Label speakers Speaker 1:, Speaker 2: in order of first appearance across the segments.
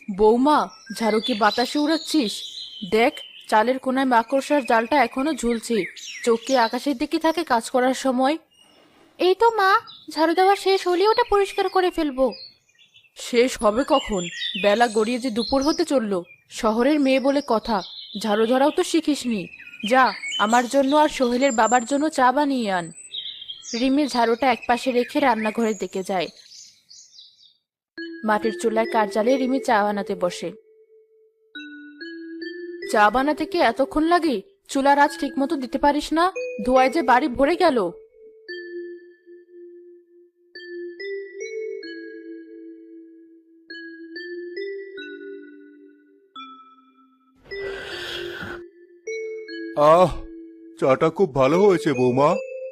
Speaker 1: বৌমা, ঝাড়ু কি বাতাসে উড়াচ্ছিস? দেখ, চালের কোনায় মাকড়সার জালটা এখনো ঝুলছে। চোখ কি আকাশের দিকে থাকে কাজ করার সময়? এই তো মা, ঝাড়ু দেওয়া শেষ হলে ওটা পরিষ্কার করে ফেলবো। শেষ হবে কখন? বেলা গড়িয়ে যে দুপুর হতে চললো। শহরের মেয়ে বলে কথা, ঝাড়ু ধরাও তো শিখিসনি। যা, আমার জন্য আর সোহেলের বাবার জন্য চা বানিয়ে আন। রিমি ঝাড়ুটা একপাশে রেখে রান্নাঘরের দিকে যায়। মাটির চুলায় কাঠ জ্বালিয়ে রিমি চা বানাতে বসে। চা বানাতে কি এতক্ষণ লাগে? চুলার আঁচ ঠিক মতো দিতে পারিস না? ধোঁয়ায় যে বাড়ি ভরে গেল।
Speaker 2: আহ, চাটা খুব ভালো হয়েছে বৌমা।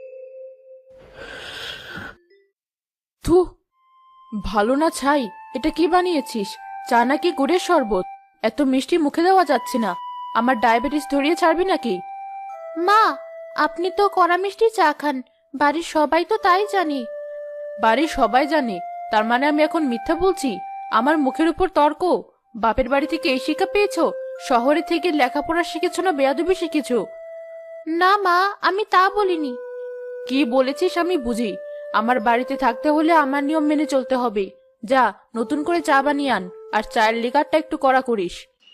Speaker 1: থু, ভালো না ছাই। এটা কি বানিয়েছিস? চা নাকি গুড়ের শরবত? এত মিষ্টি মুখে দেওয়া যাচ্ছে না। আমার ডায়াবেটিস ধরিয়ে ছাড়বি নাকি? মা, আপনি তো কড়া মিষ্টি চা খান, বাড়ির সবাই তো তাই জানি। বাড়ির সবাই জানে, তার মানে আমি এখন মিথ্যা বলছি? আমার মুখের উপর তর্ক? বাপের বাড়ি থেকে এই শিক্ষা পেয়েছো? শহরে থেকে লেখাপড়া শিখেছো না বেয়াদবি শিখেছো? না মা, আমি তা বলিনি। কি বলেছিস আমি বুঝি। আমার বাড়িতে থাকতে হলে আমার নিয়ম মেনে চলতে হবে। যা, নতুন করে চা বানিয়ে আন, আর চায়ের লিকারটা একটু কড়া করিস।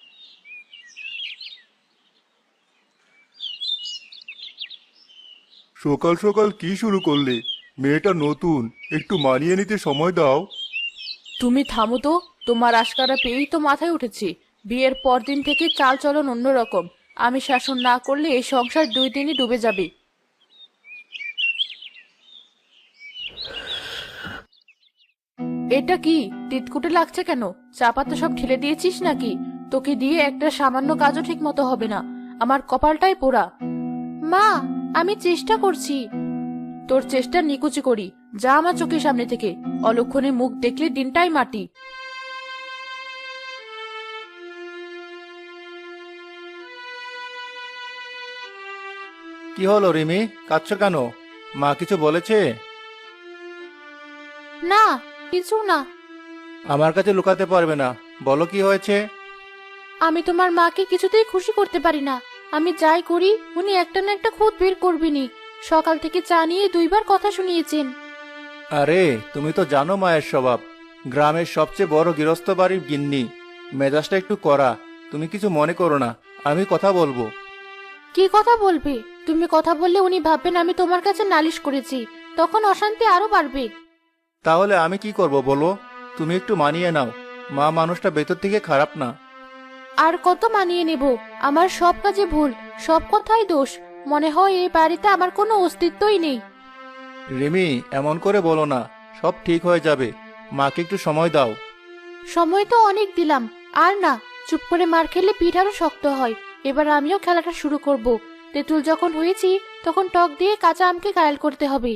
Speaker 2: সকাল সকাল কি শুরু করলে? মেয়েটা নতুন, একটু মানিয়ে নিতে সময় দাও।
Speaker 1: তুমি থামো তো। তোমার আশকারা পেয়েই তো মাথায় উঠেছি। বিয়ের পর দিন থেকে চাল চলন অন্যরকম। আমি শাসন না করলে এই সংসার 2 দিনই ডুবে যাবে। এটা কি? তিতকুটে লাগছে কেন? চা পাতা সব ঢেলে দিয়েছিস নাকি? তোকে দিয়ে একটা সামান্য কাজও ঠিক মতো হবে না। আমার কপালটাই পোড়া। মা, আমি চেষ্টা করছি। তোর চেষ্টা নিকুচি করি। যা আমার চোখের সামনে থেকে। অলক্ষণে মুখ দেখলে দিনটাই মাটি।
Speaker 3: কি হলো রিমি, কাঁদছো কেন? মা কিছু বলেছে?
Speaker 1: না, কিছু না।
Speaker 3: আমার কাছে লুকাতে পারবে না, বলো কি হয়েছে।
Speaker 1: আমি তোমার মাকে কিছুতেই খুশি করতে পারি না। আমি যাই করি উনি একটা না একটা খুঁত বের করবেনই। সকাল থেকে চা নিয়ে 2বার কথা শুনিয়েছেন।
Speaker 3: আরে, তুমি তো জানো মায়ের স্বভাব। গ্রামের সবচেয়ে বড় গৃহস্থ বাড়ির গিন্নি, মেজাজটা একটু কড়া। তুমি কিছু মনে করো না, আমি কথা বলবো।
Speaker 1: কি কথা বলবে? তুমি কথা বললে উনি ভাববেন আমি তোমার কাছে নালিশ করেছি। তখন অশান্তি আরো বাড়বে।
Speaker 3: তাহলে আমি কি করব বলো? তুমি একটু মানিয়ে নাও, মা মানুষটা ভেতর থেকে খারাপ না।
Speaker 1: আর কত মানিয়ে নেব? আমার সব কাজে ভুল, সব কথাই দোষ। মনে হয় এই বাড়িতে আমার কোনো অস্তিত্বই নেই।
Speaker 3: রিমি, এমন করে বলো না, সব ঠিক হয়ে যাবে। মাকে একটু সময় দাও।
Speaker 1: সময় তো অনেক দিলাম। আর না, চুপ করে মার খেলে পিঠ আরো শক্ত হয়। এবার আমিও খেলাটা শুরু করব। তেঁতুল যখন হয়েছি তখন টক দিয়ে কাঁচা আমকে ঘায়াল করতে হবে।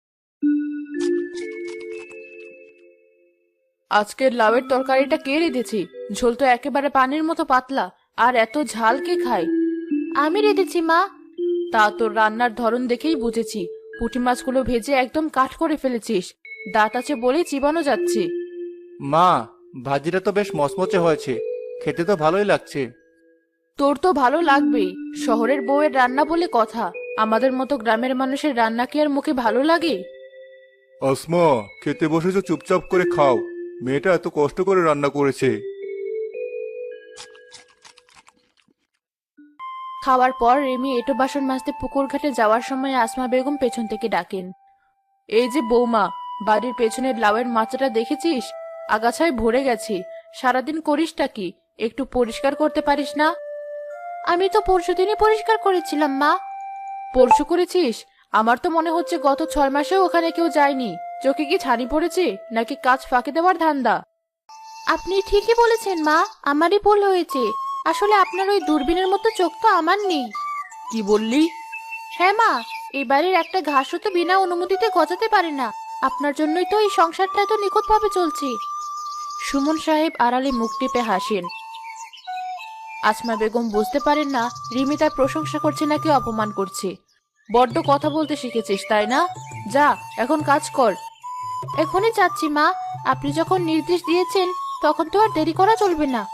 Speaker 1: আজকের লাউয়ের তরকারিটা কে রেঁধেছি? ঝোল তো একেবারে পানির মতো পাতলা। আর এত ঝাল কে খায়? আমি রেঁধেছি মা। তা তোর রান্নার ধরন দেখেই বুঝেছি। পুঁটি মাছগুলো ভেজে একদম কাঠ করে ফেলেছিস। দাঁত আছে বলেই চিবানো যাচ্ছে।
Speaker 3: মা, ভাজিটা তো বেশ মচমচে হয়েছে, খেতে তো ভালোই লাগছে।
Speaker 1: তোর তো ভালো লাগবেই। শহরের বউয়ের রান্না বলে কথা। আমাদের মতো গ্রামের মানুষের রান্না কি আর মুখে ভালো লাগে?
Speaker 2: আসমা, খেতে বসেছো, চুপচাপ করে খাও। মেয়েটা এত কষ্ট করে রান্না করেছে।
Speaker 1: খাওয়ার পর রেমি এঁটো বাসন মাজতে পুকুর ঘাটে যাওয়ার সময় আসমা বেগম পেছন থেকে ডাকেন। এই যে বৌমা, বাড়ির পেছনের লাউয়ের মাচাটা দেখেছিস? আগাছায় ভরে গেছে। সারাদিন করিসটা কি? একটু পরিষ্কার করতে পারিস না? আমি তো পরশুদিনই পরিষ্কার করেছিলাম মা। পরশু করেছিস? আমার তো মনে হচ্ছে গত 6 মাসেও ওখানে কেউ যায়নি। চোখে কি ছানি পড়েছে, নাকি কাজ ফাঁকি দেওয়ার ধান্দা? আপনি ঠিকই বলেছেন মা, আমারই ভুল হয়েছে। আসলে আপনার ওই দূরবীনের মতো চোখ তো আমার নেই। কি বললি? হ্যাঁ মা, এই বাড়ির একটা ঘাসও তো বিনা অনুমতিতে গজাতে পারে না। আপনার জন্যই তো এই সংসারটা এত নিখুঁতভাবে চলছে। সুমন সাহেব আড়ালে মুখ টিপে হাসেন। আসমা বেগম বুঝতে পারেন না রিমি তার প্রশংসা করছে নাকি অপমান করছে। বড্ড কথা বলতে শিখেছিস তাই না? যা, এখন কাজ কর। এখনই যাচ্ছি মা। আপনি যখন নির্দেশ দিয়েছেন তখন তো আর দেরি করা চলবে না।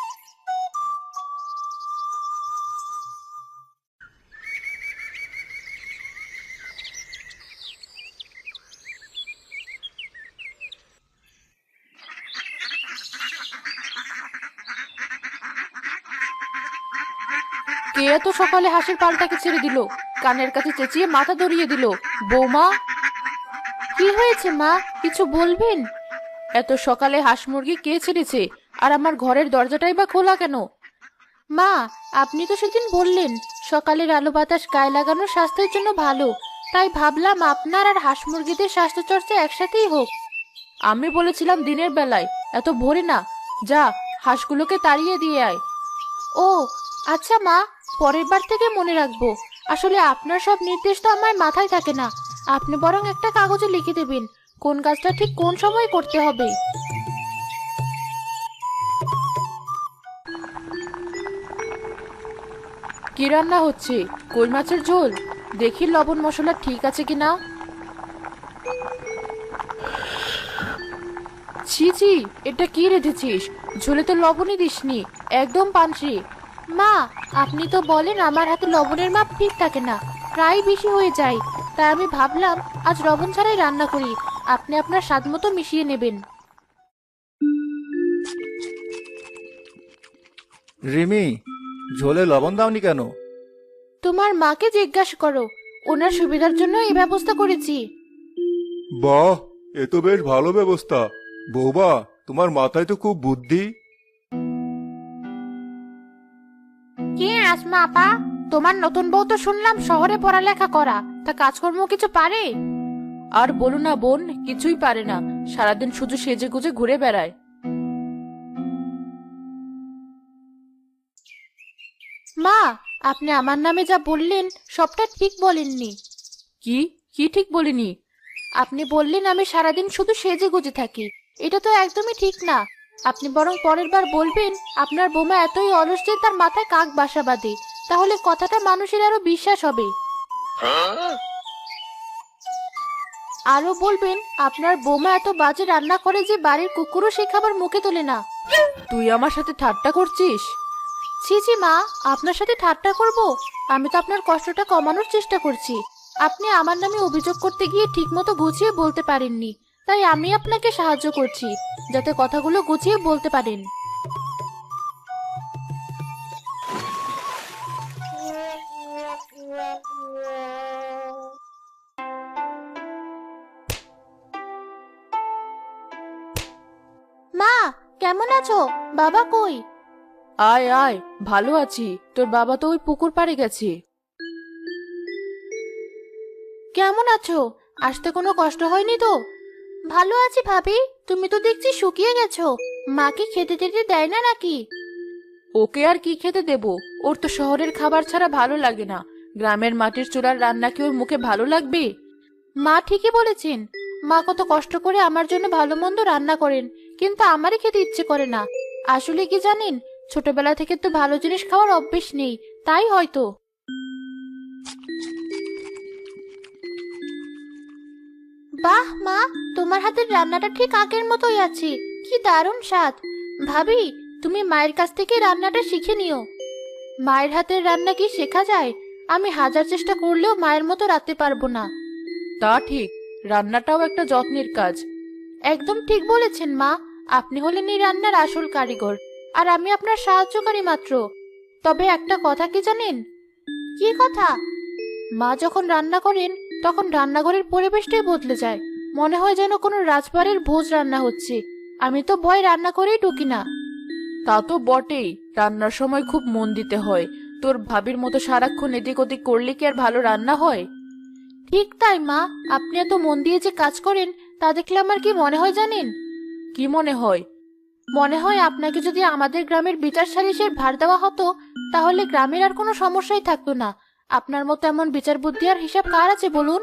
Speaker 1: কে এত সকালে হাঁসের পালটাকে ছেড়ে দিল? কানের কাছে চেঁচিয়ে মাথা ধরিয়ে দিল। বৌমা, কি হয়েছে মা? কিছু বলবেন? এত সকালে হাঁস মুরগি কে ছেড়েছে? আর আমার ঘরের দরজাটাই বা খোলা কেন? মা, আপনি তো সেদিন বললেন সকালের আলো বাতাস গায়ে লাগানো স্বাস্থ্যের জন্য ভালো, তাই ভাবলাম আপনার আর হাঁস মুরগিদের স্বাস্থ্য চর্চা একসাথেই হোক। আমি বলেছিলাম দিনের বেলায়, এত ভোরে না। যা, হাঁসগুলোকে তাড়িয়ে দিয়ে আয়। ও আচ্ছা মা, পরের বার থেকে মনে রাখবো। আসলে আপনার সব নির্দেশ তো আমার মাথায় থাকে না। আপনি বরং একটা কাগজে লিখে দেবেন কোন কাজটা ঠিক কোন সময় করতে হবে। কি রান্না হচ্ছে? কই মাছের ঝোল। দেখি লবণ মশলা ঠিক আছে কিনা। ছি ছি, এটা কি রেঁধেছিস? ঝোলে তো লবণই দিসনি, একদম পানসি। মা, আপনি তো বলেন আমার হাতে লবণের মাপ ঠিক থাকে না, প্রায় বেশি হয়ে যায়। তাই আমি ভাবলাম আজ লবণ ছাড়াই রান্না করি, আপনি আপনার স্বাদ মতো মিশিয়ে নেবেন।
Speaker 3: রিমি, ঝোলে লবণ দাওনি কেন?
Speaker 1: তোমার মাকে জিজ্ঞাসা করো, ওনার সুবিধার জন্য এই ব্যবস্থা করেছি।
Speaker 2: বাহ, এ তো বেশ ভালো ব্যবস্থা। বৌমা, তোমার মাথায় তো খুব বুদ্ধি।
Speaker 1: কি আসমা আপা, তোমার নতুন বউ তো শুনলাম শহরে পড়ালেখা করা, তা কাজকর্ম কিছু পারে? আর বলো না বোন, কিছুই পারে না। সারাদিন শুধু সেজে গুজে ঘুরে বেড়ায়। মা, আপনি আমার নামে যা বললেন সবটা ঠিক বলেননি। কি কি ঠিক বলিনি? আপনি বললেন আমি সারাদিন শুধু সেজে গুজে থাকি, এটা তো একদমই ঠিক না। আপনি বরং পরের বার বলবেন আপনার বোমা এতই অলস যে তার মাথায় কাক বাসা বাঁধে, তাহলে কথাটা মানুষের আরো বিশ্বাস হবে। আরো বলবেন আপনার বোমা এত বাজে রান্না করে যে বাড়ির কুকুরও সে খাবার মুখে তোলে না। তুই আমার সাথে ঠাট্টা করছিস? ছি ছি মা, আপনার সাথে ঠাট্টা করব? আমি তো আপনার কষ্টটা কমানোর চেষ্টা করছি। আপনি আমার নামে অভিযোগ করতে গিয়ে ঠিকমতো গুছিয়ে বলতে পারেননি, তাই আমি আপনাকে সাহায্য করছি যাতে কথাগুলো গুছিয়ে বলতে পারেন। মা, কেমন আছো? বাবা কই? আয় আয়, ভালো আছি। তোর বাবা তো ওই পুকুর পাড়ে গেছে। কেমন আছো? আসতে কোনো কষ্ট হয়নি তো? ভালো আছি ভাবি, তুমি তো দেখছি শুকিয়ে গেছো। মা কি খেতে টেতে দেয় না নাকি? ওকে আর কি খেতে দেব? ওর তো শহরের খাবার ছাড়া ভালো লাগে না। গ্রামের মাটির চুলার রান্না কি ওর মুখে ভালো লাগবে? মা ঠিকই বলেছেন। মা কত কষ্ট করে আমার জন্য ভালো মন্দ রান্না করেন, কিন্তু আমারই খেতে ইচ্ছে করে না। আসলে কি জানেন, ছোটবেলা থেকে তো ভালো জিনিস খাওয়ার অভ্যেস নেই, তাই হয়তো। বাহ মা, তোমার হাতের রান্নাটা ঠিক আগের মতোই আছে। কি দারুণ স্বাদ। ভাবি, তুমি মায়ের কাছ থেকে রান্নাটা শিখে নিও। মায়ের হাতের রান্না কি শেখা যায়? আমি হাজার চেষ্টা করলেও মায়ের মতো রাঁধতে পারবো না। তা ঠিক, রান্নাটাও একটা যত্নের কাজ। একদম ঠিক বলেছেন মা। আপনি হলেন এই রান্নার আসল কারিগর, আর আমি আপনার সাহায্যকারী মাত্র। তবে একটা কথা কি জানেন? কি কথা? মা যখন রান্না করেন তখন রান্নাঘরের পরিবেশটাই বদলে যায়। মনে হয় যেন কোনো রাজবাড়ির ভোজ রান্না হচ্ছে। আমি তো ভয় রান্না করেই ঢুকি না। তা তো বটেই, রান্নার সময় খুব মন দিতে হয়। তোর ভাবির মতো সারাক্ষণ এদিক ওদিক করলে কি আর ভালো রান্না হয়? ঠিক তাই মা, আপনি এত মন দিয়ে যে কাজ করেন তা দেখলে আমার কি মনে হয় জানেন? কি মনে হয়? মনে হয় আপনাকে যদি আমাদের গ্রামের বিচার সালিসের ভার দেওয়া হতো, তাহলে গ্রামের আর কোনো সমস্যাই থাকতো না। আপনার মতো এমন বিচার বুদ্ধি আর হিসাব কার আছে বলুন?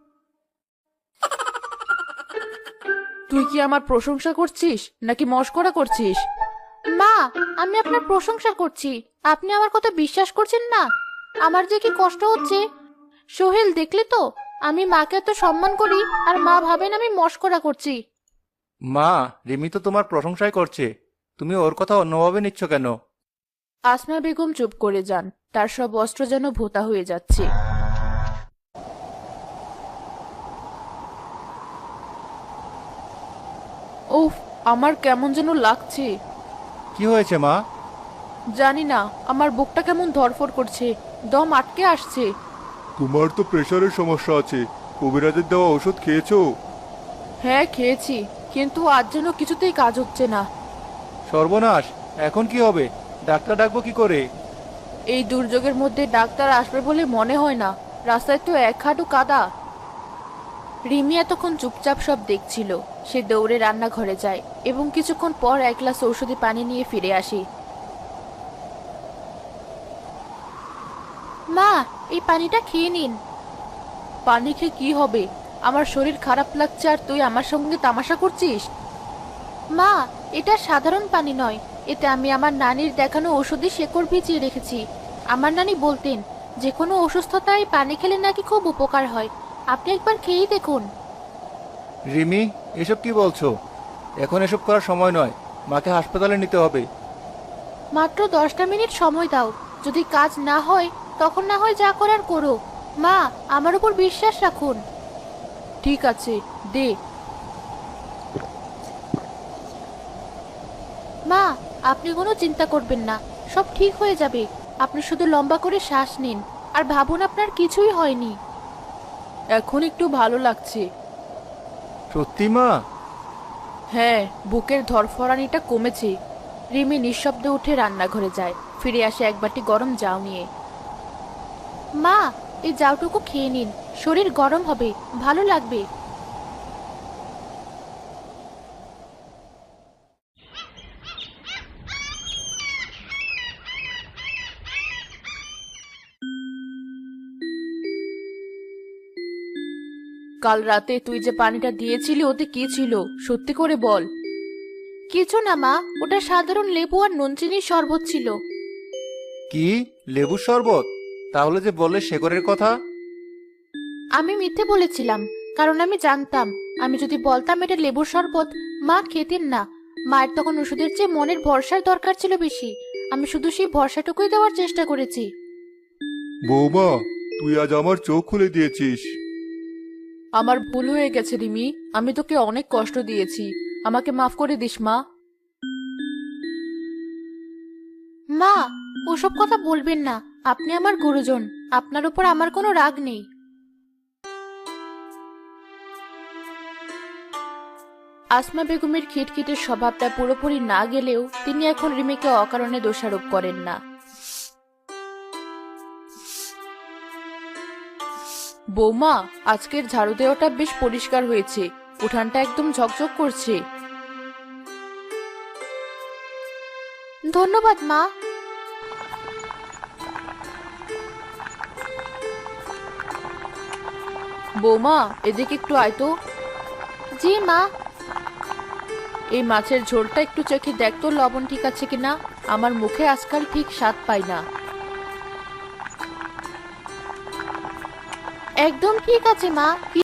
Speaker 1: তুই কি আমার প্রশংসা করছিস নাকি মশকরা করছিস? মা, আমি আপনার প্রশংসা করছি। আপনি আমার কথা বিশ্বাস করছেন না? আমার যে কি কষ্ট হচ্ছে। সোহেল, দেখলি তো, আমি মাকে এত সম্মান করি আর মা ভাবেন আমি মশকরা করছি।
Speaker 3: মা, রিমি তো তোমার প্রশংসাই করছে। তুমি ওর কথা অন্যভাবে নিচ্ছ কেন?
Speaker 1: আসমা বেগম চুপ করে যান, তার সব অস্ত্র যেন ভোঁতা হয়ে যাচ্ছে। উফ, আমার কেমন যেন লাগছে।
Speaker 3: কি হয়েছে মা?
Speaker 1: জানি না, আমার বুকটা কেমন ধড়ফড় করছে, দম আটকে আসছে।
Speaker 2: তোমার তো প্রেশারের সমস্যা আছে, কবিরাজের দেওয়া ওষুধ খেয়েছো?
Speaker 1: হ্যাঁ খেয়েছি, কিন্তু আজ যেন কিছুতেই কাজ হচ্ছে না।
Speaker 3: সর্বনাশ, এখন কি হবে? ডাক্তার ডাকবো কি করে?
Speaker 1: এই দুর্যোগের মধ্যে ডাক্তার আসবে বলে মনে হয় না, রাস্তায় তো এক হাঁটু কাদা। রিমি এতক্ষণ চুপচাপ সব দেখছিল। সে দৌড়ে রান্নাঘরে যায় এবং কিছুক্ষণ পর এক গ্লাস ঔষধি পানি নিয়ে ফিরে আসে। মা, এই পানিটা খেয়ে নিন। পানি খেয়ে কি হবে? আমার শরীর খারাপ লাগছে আর তুই আমার সঙ্গে তামাশা করছিস? মা, এটা সাধারণ পানি নয়, এতে আমি আমার নানির দেখানো ওষুধি শেকড় ভিজিয়ে রেখেছি। আমার নানি বলতেন যে কোনো অসুস্থতায় পানি খেলে নাকি খুব উপকার হয়। আপনি একবার খেয়েই দেখুন।
Speaker 3: রিমি, এসব কি বলছো? এখন এসব করার সময় নয়, মাকে হাসপাতালে নিতে হবে।
Speaker 1: মাত্র 10টা মিনিট সময় দাও, যদি কাজ না হয় তখন না হয় যা করার করো। মা, আমার উপর বিশ্বাস রাখুন। ঠিক আছে, দে। মা, আপনি কোনো চিন্তা করবেন না, সব ঠিক হয়ে যাবে। আপনি শুধু লম্বা করে শ্বাস নিন আর ভাবুন আপনার কিছুই হয়নি। এখন একটু ভালো লাগছে।
Speaker 3: সত্যি মা?
Speaker 1: হ্যাঁ, বুকের ধরফরানিটা কমেছে। রিমি নিঃশব্দে উঠে রান্নাঘরে যায়, ফিরে আসে এক বাটি গরম জাউ নিয়ে। মা, এই জাউটুকু খেয়ে নিন, শরীর গরম হবে, ভালো লাগবে। কাল রাতে তুই যে পানিটা দিয়েছিলি ওতে কি ছিল, সত্যি করে বল। কিছু না মা, ওটা সাধারণ লেবু আর নুন চিনির শরবত ছিল।
Speaker 3: কি, লেবুর শরবত? তাহলে যে বললে শেকড়ের কথা?
Speaker 1: আমি মিথ্যে বলেছিলাম, কারণ আমি জানতাম আমি যদি বলতাম এটা লেবুর শরবত, মা খেতেন না। মায়ের তখন ওষুধের চেয়ে মনের ভরসার দরকার ছিল বেশি। আমি শুধু সেই ভরসাটুকুই দেওয়ার চেষ্টা করেছি।
Speaker 2: বৌমা, তুই আজ আমার চোখ খুলে দিয়েছিস।
Speaker 1: আমার ভুল হয়ে গেছে রিমি, আমি তোকে অনেক কষ্ট দিয়েছি, আমাকে মাফ করে দিস মা। মা, ওসব কথা বলবেন না, আপনি আমার গুরুজন, আপনার উপর আমার কোনো রাগ নেই। আসমা বেগমের খিটখিটে স্বভাবটা পুরোপুরি না গেলেও তিনি এখন রিমিকে অকারণে দোষারোপ করেন না। বৌমা, আজকের ঝাড়ু দেওয়াটা বেশ পরিষ্কার হয়েছে, উঠানটা একদম ঝকঝক করছে। ধন্যবাদ মা। বৌমা, এদিকে একটু আয় তো। জি মা। এই মাছের ঝোলটা একটু চেখে দেখ তো লবণ ঠিক আছে কিনা, আমার মুখে আজকাল ঠিক স্বাদ পাই না। একদম ঠিক আছে মা।